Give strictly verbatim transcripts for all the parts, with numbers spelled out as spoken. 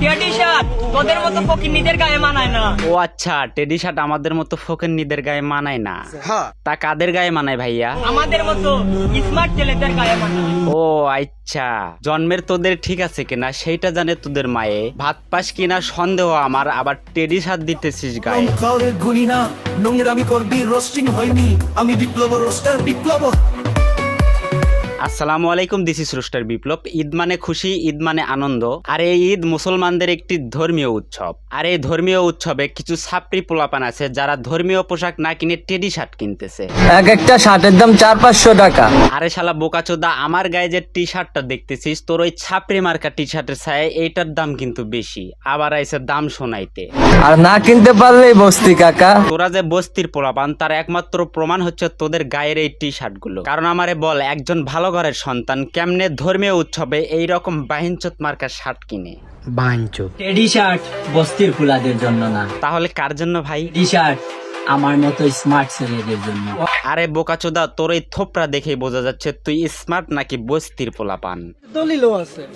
Teddy shirt তোদের মতো ফকিন্নিদের গায়ে মানায় না। ও আচ্ছা, টেডি শার্ট আমাদের মতো ফকিন্নিদের গায়ে মানায় না। তা কাদের গায়ে মানায় ভাইয়া? আমাদের মতো স্মার্ট ছেলেদের গায়ে মানায়। ও আচ্ছা, জন্মের তোদের ঠিক আছে কিনা সেইটা জানে তোদের মায়ে। ভাত পাস কিনা সন্দেহ আমার, আবার টেডি শার্ট দিতেছিস গায়ে। কাউরের গুলি না, নোংরামি করবি, রোস্টিং হয়নি, আমি বিপ্লব রোস্টার বিপ্লব। আসসালামু আলাইকুম, this is Roster Biplob. Eid মানে খুশি, ঈদ মানে আনন্দ। আর এই ঈদ মুসলমানদের একটি ধর্মীয় উৎসব। আর এই ধর্মীয় উৎসবে কিছু ছাপড়ি পোলাপান আছে যারা ধর্মীয় পোশাক না কিনে টেডি শার্ট কিনতেছে। এক একটা শার্টের দাম চার পাঁচশো টাকা। আরে শালা বোকাচোদা, আমার গায়ে যে টি শার্টটা দেখতেছিস তোর ওই ছাপড়ি মার্কা টি শার্টের ছায় এইটার দাম কিন্তু বেশি। আবার আইসে দাম শোনাইতে। আর না কিনতে পারলেই বস্তি কাকা। তোরা যে বস্তির পোলাপান তার একমাত্র প্রমাণ হচ্ছে তোদের গায়ের এই টি শার্ট গুলো। কারণ আমারে বল, একজন ভালো ঘরের সন্তান কেমনে ধর্মীয় উৎসবে এইরকম বাহিনচোত মার্কা শার্ট কিনে? বাঞ্চো টেডি শার্ট বস্তির ফুলাদের জন্য না, তাহলে কার জন্য ভাই? টি শার্ট আমার মতো স্মার্ট ছেলেদের জন্য। আরে বোকাচোদা, তোর এই থোপড়া দেখেই বোঝা যাচ্ছে তুই স্মার্ট নাকি বস্তির পোলাপান। দলিলও আছে।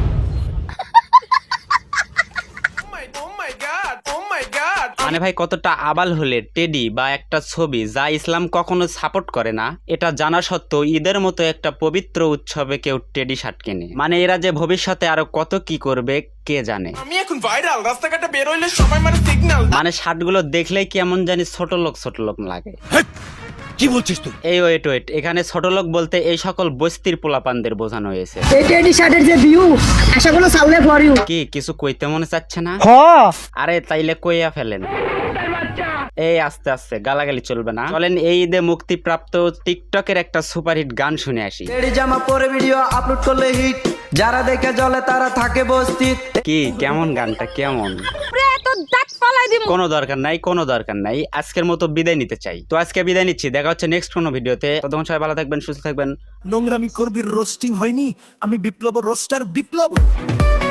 মানে ভাই, কতটা আবাল হলে টেডি বা একটা ছবি যা ইসলাম কখনো সাপোর্ট করে না, এটা জানা সত্ত্বেও ঈদের মতো একটা পবিত্র উৎসবে কেউ টেডি শার্ট কেনে। মানে এরা যে ভবিষ্যতে আরো কত কি করবে কে জানে। আমি এখন ভাইরাল, রাস্তাঘাটে বের হইলে সবাই মানে সিগন্যাল। মানে শার্ট গুলো দেখলেই কেমন জানি ছোট লোক ছোট লোক লাগে। কি বলছিস তুই? এই ওয়েট ওয়েট, এখানে ছোট লোক বলতে এই সকল বস্তির পোলাপানদের বোঝানো হয়েছে। এই টেডি শার্টের যে ভিউ, আশা করো সাউলে ফর ইউ। কি কিছু কইতে মনে চাচ্ছে না? আরে তাইলে কইয়া ফেলেন। এই আস্তে আস্তে গালাগালি চলবে না। চলেন এই ঈদে মুক্তিপ্রাপ্ত টিকটকের একটা সুপারহিট গান শুনে আসি। টেডি জামা পরে ভিডিও আপলোড করলে হিট, যারা দেখে জ্বলে তারা থাকে বস্তিত। কি কেমন গানটা কেমন? কোনো দরকার নাই, কোনো দরকার নাই। আজকের মতো বিদায় নিতে চাই। তো আজকে বিদায় নিচ্ছি, দেখা হচ্ছে নেক্সট কোনো ভিডিওতে। ততক্ষণ সবাই ভালো থাকবেন, সুস্থ থাকবেন। নোংরামি করবি, রোস্টিং হয়নি, আমি বিপ্লব রোস্টার বিপ্লব।